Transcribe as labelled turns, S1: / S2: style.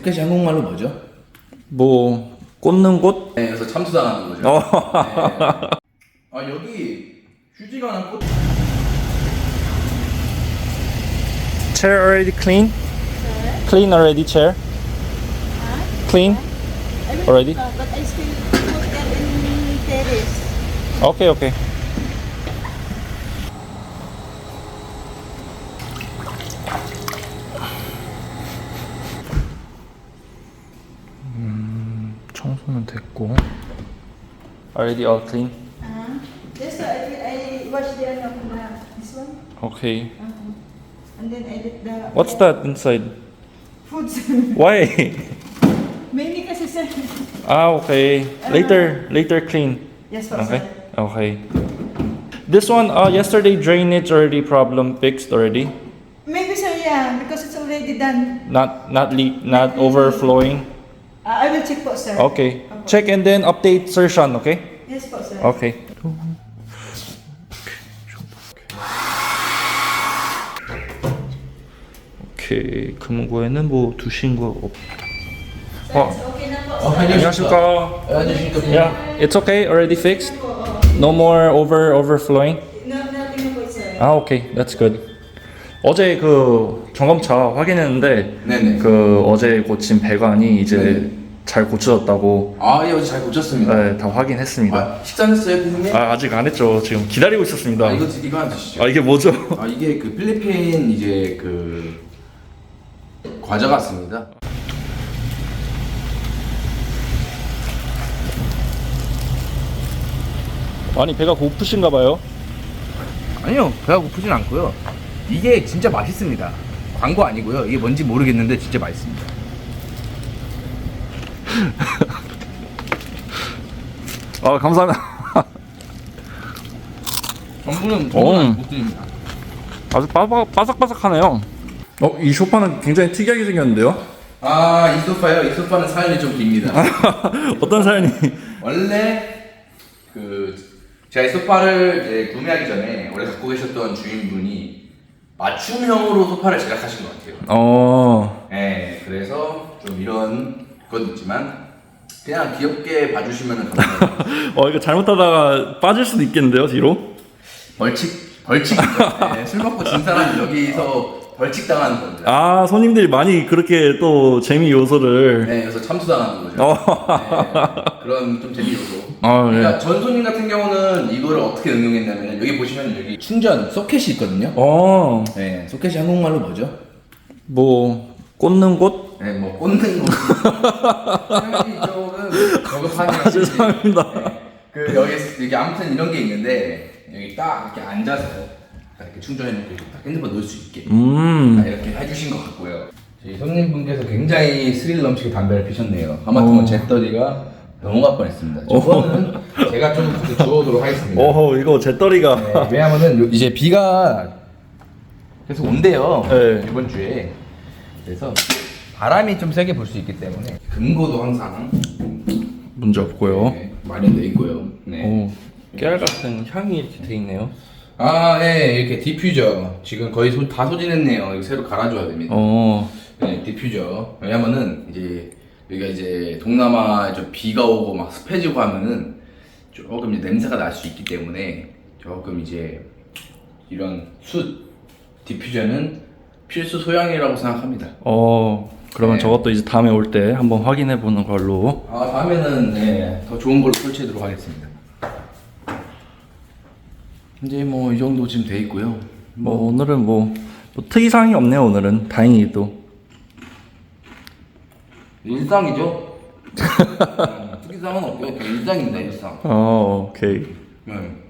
S1: 소켓이 한국말로 뭐죠?
S2: 뭐 꽂는 곳?
S1: 네, 그래서 참수당하는 거죠.
S2: 어.
S1: 네. 아 여기 휴지가 난 꽃.
S2: Chair already clean? Clean already chair? Clean already?
S3: But I still put them in terrace.
S2: Okay, okay. 청소는 됐고. Already all clean.
S3: Just I wash the this one.
S2: Okay.
S3: And then I did the
S2: What's that inside?
S3: foods.
S2: Why?
S3: Mainly kasi sir.
S2: Ah, okay. Later clean.
S3: Yes, po,
S2: Okay.
S3: sir.
S2: Okay. This one, yesterday drainage already problem fixed already.
S3: Maybe sir, yeah, because it's already done.
S2: Not overflowing.
S3: I will check po, sir.
S2: Okay. Check and then update Sir Sean, okay?
S3: Yes po, sir.
S2: Okay. 오케이. 금고에는 뭐 두신 거 없. 어.
S3: Okay na po, sir.
S2: 안녕하십니까.
S1: 안녕하십니까.
S2: Yeah, it's okay. Already fixed. No more overflowing.
S3: No, nothing na po, sir.
S2: 아, 오케이. That's good. 어제 그 점검차 확인했는데
S1: 네네.
S2: 그 어제 고친 배관이 이제
S1: 네네.
S2: 잘 고쳐졌다고.
S1: 아, 예, 어제 잘 고쳤습니다.
S2: 네, 다 확인했습니다.
S1: 아, 식사했어요, 피디님?
S2: 아직 안 했죠. 지금 기다리고 있었습니다.
S1: 아, 이거 하나 주시죠.
S2: 이게 뭐죠?
S1: 아, 이게 그 필리핀 이제 그 과자 같습니다.
S2: 많이 배가 고프신가 봐요.
S1: 아니요, 배가 고프진 않고요. 이게 진짜 맛있습니다. 광고 아니고요. 이게 뭔지 모르겠는데 진짜 맛있습니다.
S2: 아, 감사합니다.
S1: 전부는 못 드립니다.
S2: 아주 바삭바삭하네요. 이 소파는 굉장히 특이하게 생겼는데요?
S1: 아, 이 소파요? 이 소파는 사연이 좀 깁니다.
S2: 어떤 사연이?
S1: 원래 그 제가 이 소파를 이제 구매하기 전에 원래 갖고 계셨던 주인분이 맞춤형으로 소파를 제작하신 것 같아요. 네, 그래서 좀 이런 건 있지만 그냥 귀엽게 봐주시면 감사합니다.
S2: 이거 잘못하다가 빠질 수도 있겠는데요, 뒤로?
S1: 벌칙이죠. 네, 술 먹고 진 사람이 여기서 벌칙 당하는 겁니다.
S2: 아, 손님들이 많이 그렇게 또 재미 요소를.
S1: 네, 그래서 참수당하는 거죠. 네, 그런 좀 재미 요소. 그러니까 전 손님 같은 경우는 이거를 어떻게 응용했냐면 여기 보시면 여기 충전 소켓이 있거든요. 네, 소켓이 한국말로 뭐죠?
S2: 뭐 꽂는 곳?
S1: 네, 뭐 꽂는 거. 이쪽은 저급하네요.
S2: 죄송합니다.
S1: 네, 그 여기 아무튼 이런 게 있는데 여기 딱 이렇게 앉아서 딱 이렇게 충전해놓고 이렇게 딱 핸드폰 넣을 수 있게 딱 이렇게 해주신 것 같고요. 저희 손님분께서 굉장히 스릴 넘치게 담배를 피셨네요. 하마터면 잿더리가 넘어갈 뻔했습니다. 저거는 제가 좀 주워오도록 하겠습니다.
S2: 이거 잿더리가.
S1: 네, 왜냐면은 이제 비가 계속 온대요.
S2: 네.
S1: 이번 주에. 그래서 바람이 좀 세게 불 수 있기 때문에 금고도 항상
S2: 문제 없고요.
S1: 네, 마련돼 있고요. 네.
S2: 깨알 같은 향이 이렇게 돼 있네요.
S1: 아, 네, 이렇게 디퓨저 지금 거의 다 소진했네요. 이거 새로 갈아줘야 됩니다. 네, 디퓨저. 왜냐면은 이제 여기가 이제 동남아 좀 비가 오고 막 습해지고 하면은 조금 이제 냄새가 날 수 있기 때문에 조금 이제 이런 숯 디퓨저는 필수 소양이라고 생각합니다.
S2: 그러면
S1: 네.
S2: 저것도 이제 다음에 올 때 한번 확인해 보는 걸로.
S1: 아, 다음에는 네, 더 좋은 걸로 설치하도록 하겠습니다. 이제 뭐 이 정도 지금 돼 있고요.
S2: 오늘은 뭐 특이사항이 없네요. 오늘은 다행히도.
S1: 일상이죠. 특이사항은 없고요. 일상입니다, 일상.
S2: 오케이.
S1: 네.